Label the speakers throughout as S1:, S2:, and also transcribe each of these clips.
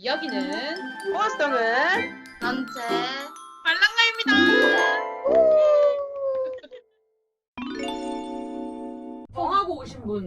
S1: 여기는
S2: 호화성은
S3: 전체
S1: 말랑가입니다.
S4: 정하고 오신 분.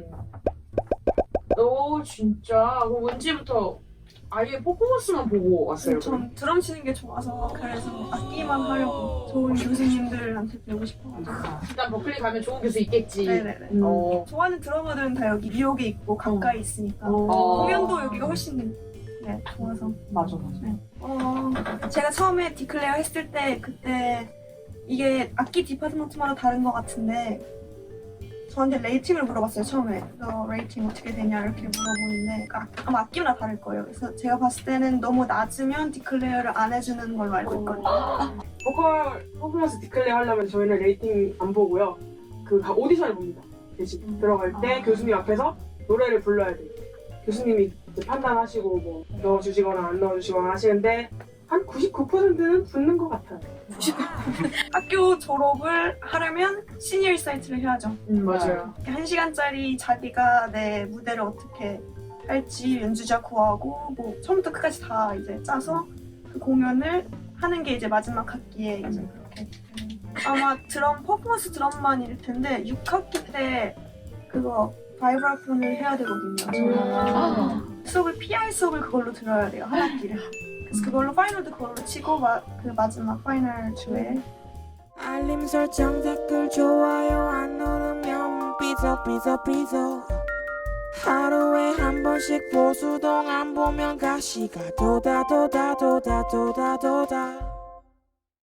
S4: 너 진짜 그럼 언제부터 아예 퍼포먼스만 보고 왔어요?
S5: 전 드럼 치는 게 좋아서 그래서 악기만 하려고 좋은 교수님들한테 배우고 싶어가지고.
S4: 일단 버클리 가면 좋은 교수 있겠지.
S5: 네네네. 좋아하는 드러머들은 다 여기 뉴욕에 있고 가까이 있으니까 공연도 여기가 훨씬 좋아서.
S2: 맞아.
S5: 제가 처음에 디클레어 했을 때 그때 이게 악기 디파트먼트마다 다른 것 같은데 저한테 레이팅을 물어봤어요. 처음에 너 레이팅 어떻게 되냐 이렇게 물어보는데 아마 악기마다 다를 거예요. 그래서 제가 봤을 때는 너무 낮으면 디클레어를 안 해주는 걸로 알고 있거든요.
S6: 보컬 퍼포먼스 디클레어 하려면 저희는 레이팅 안 보고요. 그 오디션을 봅니다. 대신 들어갈 때 교수님 앞에서 노래를 불러야 돼요. 교수님이 이제 판단하시고 뭐 넣어주시거나 안 넣어주시거나 하시는데 한 99%는 붙는 것 같아요.
S5: 학교 졸업을 하려면 시니어 리사이트를 해야죠.
S4: 맞아요.
S5: 1시간짜리 자기가 내 무대를 어떻게 할지 연주자 구하고 뭐 처음부터 끝까지 다 이제 짜서 그 공연을 하는 게 이제 마지막 학기에 이제 그렇게 아마 드럼 퍼포먼스 드럼만일 텐데 6학기 때 그거 바이브라폰을 해야 되거든요. 저는 수업을 PI 수업을 그걸로 들어야 돼요. 한 학기를. 그래서 그걸로 파이널도 그걸로 치고 그 마지막 파이널 주에
S7: 알림 설정 댓글 좋아요 안 누르면 삐져 하루에 한 번씩 보수동 안 보면 가시가 도다